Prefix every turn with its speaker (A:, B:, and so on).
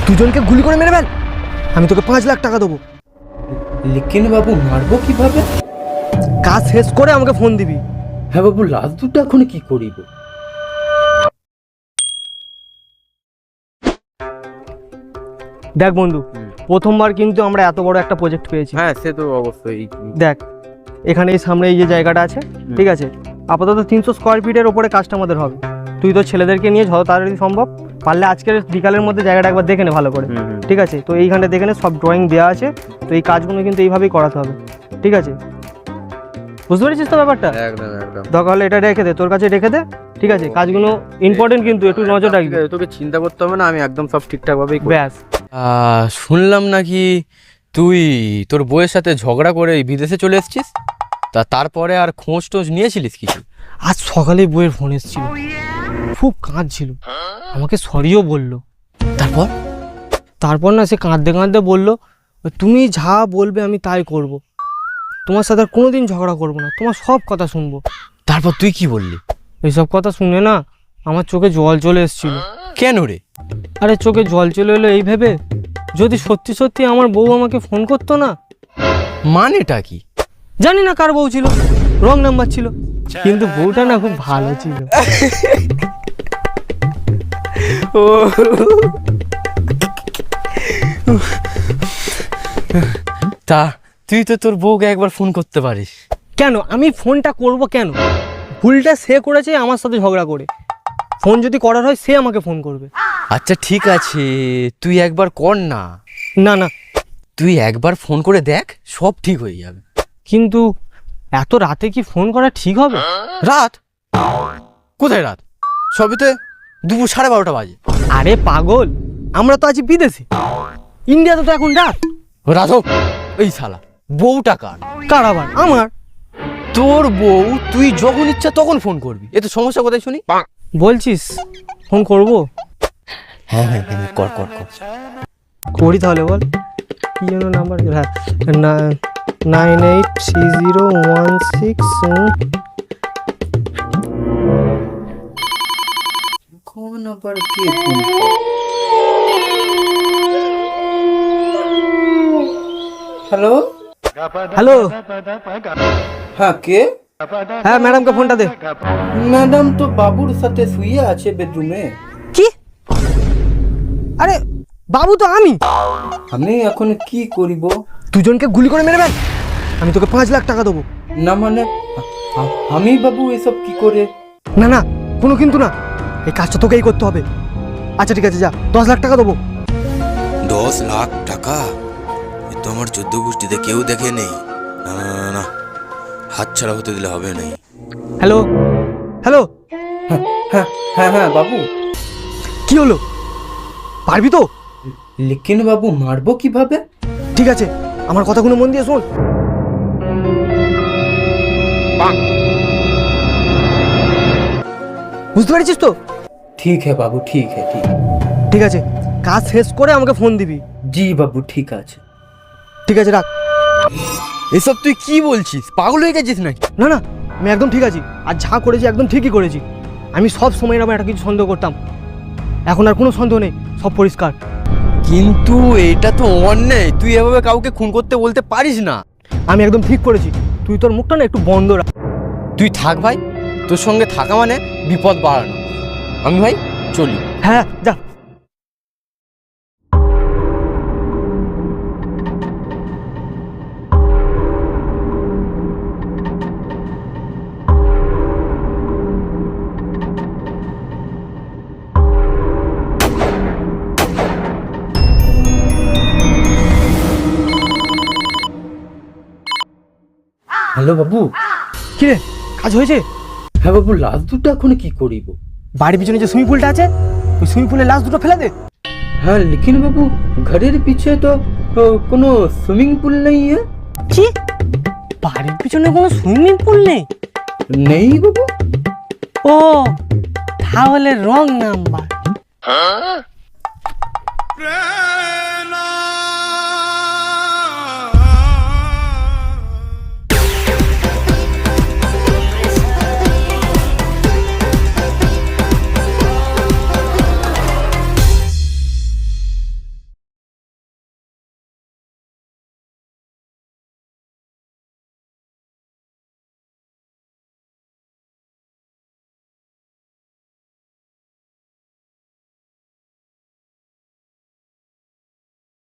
A: দুজনকে গুলি করে মেরে ফেল, আমি তোকে 5 লাখ টাকা দেবো।
B: লেকিন বাবু মারবো কিভাবে?
A: কাজ শেষ করে আমাকে ফোন দিবি।
B: হ্যাঁ বাবু, লাশ দুটো এখন কি করিব?
A: দেখ বন্ধু, প্রথমবার কিন্তু আমরা এত বড় একটা প্রজেক্ট পেয়েছি।
B: হ্যাঁ সে তো অবশ্যই।
A: দেখ এখানে এই সামনে এই যে জায়গাটা আছে, ঠিক আছে, আপাতত 300 স্কোয়ার ফিটের ওপরে কাজটা আমাদের হবে। তুই তো ছেলেদেরকে নিয়ে যত তাড়াতাড়ি সম্ভব পারলে আজকের বিকালের মধ্যে জায়গাটা একবার দেখে নে ভালো করে, ঠিক আছে? তো এইখানটা দেখে নে, সব ড্রয়িং দেওয়া আছে। তো এই কাজগুলো কিন্তু এইভাবেই করাতে হবে, ঠিক আছে? বুঝতে পেরেছিস তো ব্যাপারটা?
B: একদম একদম।
A: দরকার হলে এটা রেখে দে, তোর কাছে রেখে দে, ঠিক আছে? কাজগুলো ইম্পর্টেন্ট, কিন্তু একটু নজর রাখবি।
B: তোকে চিন্তা করতে হবে না, আমি একদম সব ঠিকঠাক ভাবেই করব।
A: ব্যাস।
C: শুনলাম নাকি তুই তোর বউয়ের সাথে ঝগড়া করে বিদেশে চলে এসেছিস, তারপরে আর খোঁজ টোঁজ নিয়েছিলিস কিছু?
A: আজ সকালে বইয়ের ফোন এসেছিল, খুব কাঁদছিল, আমাকে সরিও বললো।
C: তারপর
A: তারপর না, সে কাঁদতে কাঁদতে বললো, তুমি যা বলবে আমি তাই করব, তোমার সাথে আর কোনোদিন ঝগড়া করবো না, তোমার সব কথা শুনবো।
C: তারপর তুই কি বললি?
A: এইসব কথা শুনে না আমার চোখে জল চলে এসেছিল।
C: কেন রে?
A: আরে চোখে জল চলে এলো এই ভেবে, যদি সত্যি সত্যি আমার বউ আমাকে ফোন করতো না।
C: মানেটা কি?
A: জানি না কার বউ ছিল, রং নাম্বার ছিল, কিন্তু বউটা না খুব ভালো ছিল।
C: ও তা তুই তো তোর বউকে একবার ফোন করতে পারিস।
A: কেন আমি ফোনটা করব কেন? ভুলটা সে করেছে আমার সাথে ঝগড়া করে। ফোন যদি করার হয় সে আমাকে ফোন করবে।
C: আচ্ছা ঠিক আছে, তুই একবার কর না।
A: না না,
C: তুই একবার ফোন করে দেখ, সব ঠিক হয়ে যাবে।
A: কিন্তু এত রাতে কি ফোন করা ঠিক হবে?
C: রাত? কোথায় রাত? সবেতে দুপুর 12:30 বাজে।
A: আরে পাগল, আমরা তো আছি বিদেশে, ইন্ডিয়াতে তো এখন রাত।
C: রাত হোক, এই শালা বউটা কার?
A: কার আবার? আমার।
C: তোর বউ, তুই যখন ইচ্ছা তখন ফোন করবি, এতে সমস্যা কোথায় শুনি?
A: বলছিস ফোন করব?
C: হ্যাঁ হ্যাঁ হ্যাঁ, কর কর কর।
A: করি তাহলে, বল কি যেন নাম্বার? হ্যাঁ, 983016।
B: কোন আবার কে ফোন? হ্যালো
A: হ্যালো,
B: হ্যাঁ কে?
A: হ্যাঁ ম্যাডামকে ফোনটা দে।
B: ম্যাডাম তো বাবুর সাথে শুয়ে আছে বেডরুমে।
A: কি? আরে বাবু তো আমি।
B: আমি এখন কি করিব?
A: দুজনকে গুলি করে মেরে ফেল, আমি তোকে 5 লাখ টাকা দেবো।
B: না মানে আমি বাবু এসব কি করে?
A: না না, কোনো কিন্তু না, এই কাজটা তোকেই করতে হবে। আচ্ছা ঠিক আছে, যা, 10 লাখ টাকা দেবো।
D: 10 লাখ টাকা? এ তো আমার 14 গোষ্ঠীতে কেউ দেখে নেই। না না না না, হাত ছাড়া হতে দিলে হবে নাই।
A: হ্যালো হ্যালো,
B: হ্যাঁ হ্যাঁ হ্যাঁ হ্যাঁ বাবু।
A: কি হলো? পারবি তো?
B: লেকিন বাবু মারবো কিভাবে?
A: ঠিক আছে, আমার কথাগুলো মন দিয়ে শোন। বুঝতে পেরেছিস তো?
B: ঠিক হ্যাঁ বাবু, ঠিক হ্যাঁ, ঠিক।
A: ঠিক আছে, কাজ শেষ করে আমাকে ফোন দিবি।
B: জি বাবু ঠিক আছে।
A: ঠিক আছে, রাখ।
C: এসব তুই কি বলছিস? পাগল হয়ে গেছিস নাকি?
A: না না, আমি একদম ঠিক আছি, আর যা করেছি একদম ঠিকই করেছি। আমি সব সময় আমার একটা কিছু সন্দেহ করতাম, এখন আর কোনো সন্দেহ নেই, সব পরিষ্কার।
C: কিন্তু এটা তো অন্যায়, তুই এভাবে কাউকে খুন করতে বলতে পারিস না।
A: আমি একদম ঠিক করেছি, তুই তোর মুখটা না একটু বন্ধ রাখ।
C: তুই থাক ভাই, তোর সঙ্গে থাকা মানে বিপদ বাড়ানো। আমি ভাই চলি।
A: হ্যাঁ যা।
B: হ্যালো বাবু।
A: কি রে, কাজ হয়েছে?
B: হ্যাঁ বাবু, লাশ দুটো এখন কি করিব?
A: বাড়ির পিছনে যে সুইমিং পুলটা আছে, ওই সুইমিং পুলে লাশ দুটো ফেলে দে।
B: হ্যাঁ লেকিন বাবু, ঘরের পিছে তো কোনো সুইমিং পুল নেই।
A: কি? বাড়ির পিছনে কোনো সুইমিং পুল নেই?
B: নেই বাবু।
A: ও তাহলে রং নাম্বার।